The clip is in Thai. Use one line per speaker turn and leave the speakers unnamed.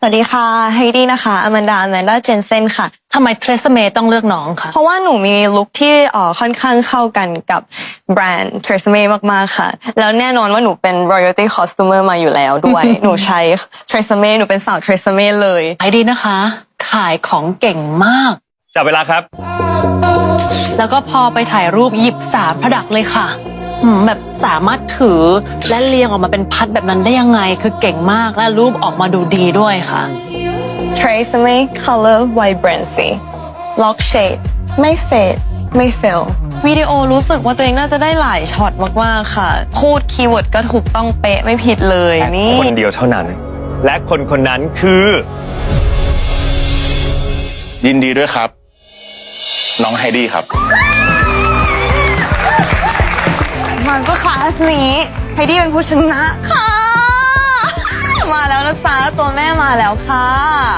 สวัสดีค่ะไฮดี้นะคะอแมนดาเจนเซนค่ะ
ทำไมเทรซเมย์ต้องเลือกน้องคะ
เพราะว่าหนูมีลุคที่ค่อนข้างเข้ากันกับแบรนด์ Tresemme มากๆค่ะแล้วแน่นอนว่าหนูเป็น royalty customer มาอยู่แล้วด้วย หนูใช้ Tresemme หนูเป็นสาว Tresemme เลย
ไอดีนะคะ ขายของเก่งมาก
จับเวลาครับ
แล้วก็พอไปถ่ายรูปหยิบ3 ผดักเลยค่ะแบบสามารถถือและเรียงออกมาเป็นพัดแบบนั้นได้ยังไง คือเก่งมากและรูปออกมาดูดีด้วยค่ะ
Tresemme color vibrancy lock shade ไม่เฟดไม่เฟลวิดีโอรู้สึกว่าตัวเองน่าจะได้หลายช็อตมากๆค่ะพูดคีย์เวิร์ดก็ถูกต้องเป๊ะไม่ผิดเลยนี่
คนเดียวเท่านั้น และคนคนนั้นคือ
ยินดีด้วยครับ น้องไฮดี้ครับ
มาสเตอร์คลาสนี้ไฮดี้เป็นผู้ชนะค่ะ มาแล้วนะจ๊ะตัวแม่มาแล้วค่ะ